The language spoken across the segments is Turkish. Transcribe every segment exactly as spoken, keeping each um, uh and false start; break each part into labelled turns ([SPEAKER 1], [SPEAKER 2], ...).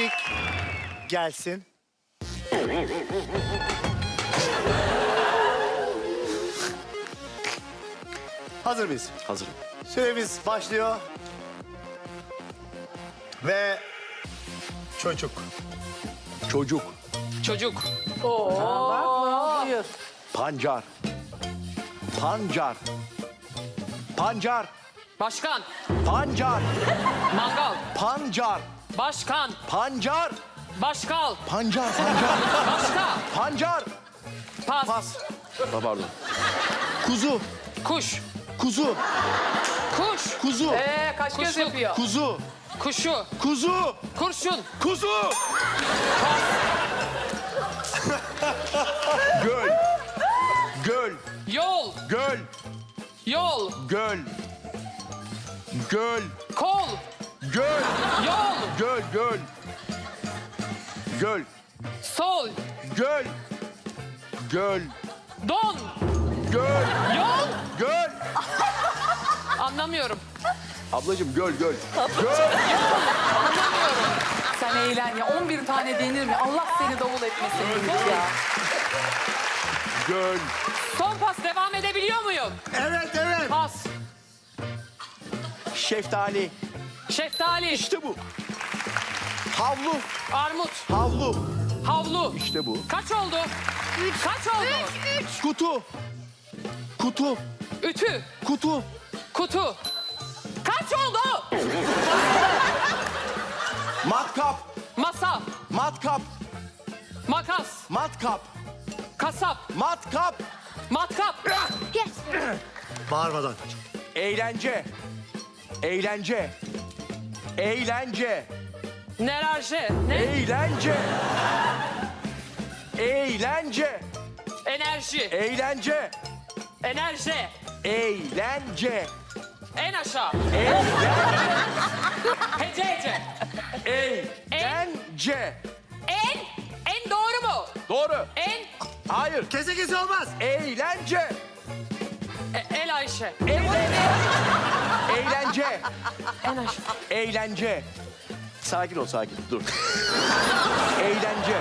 [SPEAKER 1] Müzik gelsin. Hazır mıyız?
[SPEAKER 2] Hazırım.
[SPEAKER 1] Süremiz başlıyor. Ve çocuk.
[SPEAKER 2] Çocuk.
[SPEAKER 3] Çocuk.
[SPEAKER 2] Pancar. Pancar. Pancar.
[SPEAKER 3] Başkan.
[SPEAKER 2] Pancar.
[SPEAKER 3] Mangal.
[SPEAKER 2] Pancar.
[SPEAKER 3] Başkan.
[SPEAKER 2] Pancar.
[SPEAKER 3] Başkal.
[SPEAKER 2] Pancar. Pancar.
[SPEAKER 3] Başka.
[SPEAKER 2] Pancar.
[SPEAKER 3] Pas.
[SPEAKER 2] Pas. Ha, pardon. Kuzu.
[SPEAKER 3] Kuş.
[SPEAKER 2] Kuzu.
[SPEAKER 3] Kuş.
[SPEAKER 2] Kuzu.
[SPEAKER 4] Ee, kaç göz
[SPEAKER 3] Kuşluk.
[SPEAKER 4] yapıyor?
[SPEAKER 2] Kuzu.
[SPEAKER 3] Kuşu.
[SPEAKER 2] Kuzu.
[SPEAKER 3] Kurşun.
[SPEAKER 2] Kuzu. Göl. Göl.
[SPEAKER 3] Yol.
[SPEAKER 2] Göl.
[SPEAKER 3] Yol.
[SPEAKER 2] Göl. Göl.
[SPEAKER 3] Kol.
[SPEAKER 2] Göl.
[SPEAKER 3] Yol.
[SPEAKER 2] Göl. Göl. Göl.
[SPEAKER 3] Sol.
[SPEAKER 2] Göl. Göl.
[SPEAKER 3] Don.
[SPEAKER 2] Göl.
[SPEAKER 3] Yol.
[SPEAKER 2] Göl.
[SPEAKER 3] Anlamıyorum.
[SPEAKER 2] Ablacığım göl göl. Göl.
[SPEAKER 4] Sen eğlen ya. on bir tane denir mi? Allah seni davul etmesin Ümit ya.
[SPEAKER 2] Göl.
[SPEAKER 3] Son pas devam edebiliyor muyum?
[SPEAKER 1] Evet, evet.
[SPEAKER 3] Pas.
[SPEAKER 2] Şeftali.
[SPEAKER 3] Şeftali.
[SPEAKER 2] İşte bu. Havlu.
[SPEAKER 3] Armut.
[SPEAKER 2] Havlu.
[SPEAKER 3] Havlu.
[SPEAKER 2] İşte bu.
[SPEAKER 3] Kaç oldu? Üç. Kaç oldu?
[SPEAKER 2] Kutu. Kutu.
[SPEAKER 3] Ütü.
[SPEAKER 2] Kutu.
[SPEAKER 3] Kutu. Kaç oldu?
[SPEAKER 2] Matkap.
[SPEAKER 3] Masa.
[SPEAKER 2] Matkap.
[SPEAKER 3] Makas.
[SPEAKER 2] Matkap.
[SPEAKER 3] Kasap.
[SPEAKER 2] Matkap.
[SPEAKER 3] Matkap.
[SPEAKER 1] Bağırmadan.
[SPEAKER 2] Eğlence. Eğlence. Eğlence.
[SPEAKER 3] Nerarje. Ne?
[SPEAKER 2] Eğlence. Eğlence.
[SPEAKER 3] Enerji.
[SPEAKER 2] Eğlence.
[SPEAKER 3] Enerji.
[SPEAKER 2] Eğlence.
[SPEAKER 3] En aşağı.
[SPEAKER 2] Eğlence.
[SPEAKER 3] Hece hece.
[SPEAKER 2] Eğlence.
[SPEAKER 3] En. En doğru mu?
[SPEAKER 2] Doğru.
[SPEAKER 3] En.
[SPEAKER 2] Hayır.
[SPEAKER 1] Kese kese olmaz.
[SPEAKER 2] Eğlence.
[SPEAKER 3] E, El Ayşe.
[SPEAKER 2] Eğlence. Eğlence.
[SPEAKER 3] En aşağı.
[SPEAKER 2] Eğlence. Sakin ol, sakin. Dur. Eğlence.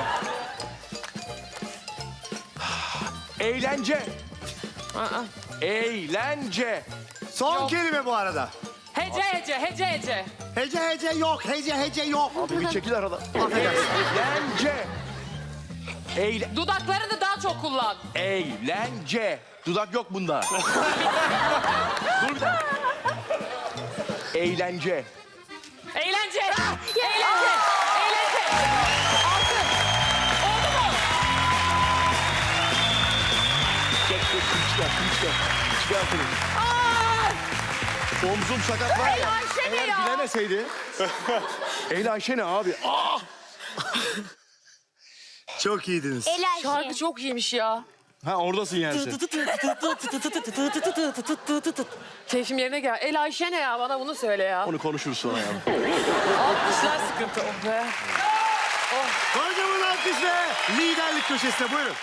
[SPEAKER 2] Eğlence.
[SPEAKER 3] Aa.
[SPEAKER 2] Eğlence.
[SPEAKER 1] Son
[SPEAKER 3] Yok.
[SPEAKER 1] kelime bu arada.
[SPEAKER 3] Hece hece hece hece.
[SPEAKER 1] Hece hece yok, hece hece yok.
[SPEAKER 2] Abi bir çekil arada.
[SPEAKER 1] Affedersin.
[SPEAKER 2] Eğlence. Eğle
[SPEAKER 3] Dudaklarını daha çok kullan.
[SPEAKER 2] Eğlence. Dudak yok bunda. Dur bir dakika. Eğlence.
[SPEAKER 3] Eğlence. Eğlence. Eğlence. Altı. Oldu mu?
[SPEAKER 2] Çek, çek, çıkar, çıkar. Çıkar şunu. Omzum sakat var ya.
[SPEAKER 3] Ey Ayşe ne
[SPEAKER 2] Eğer
[SPEAKER 3] ya?
[SPEAKER 2] bilemeseydi. Eyle Ayşe ne abi? Aa!
[SPEAKER 1] Çok iyiydiniz.
[SPEAKER 3] Şarkı çok iyiymiş ya.
[SPEAKER 2] Ha oradasın yani sen.
[SPEAKER 3] Keyfim yerine gel. El Ayşe ne ya? Bana bunu söyle ya.
[SPEAKER 2] Onu konuşuruz sonra ya.
[SPEAKER 3] Alkışlar sıkıntı. Oh be.
[SPEAKER 1] Kocaman alkış ve liderlik köşesine buyurun.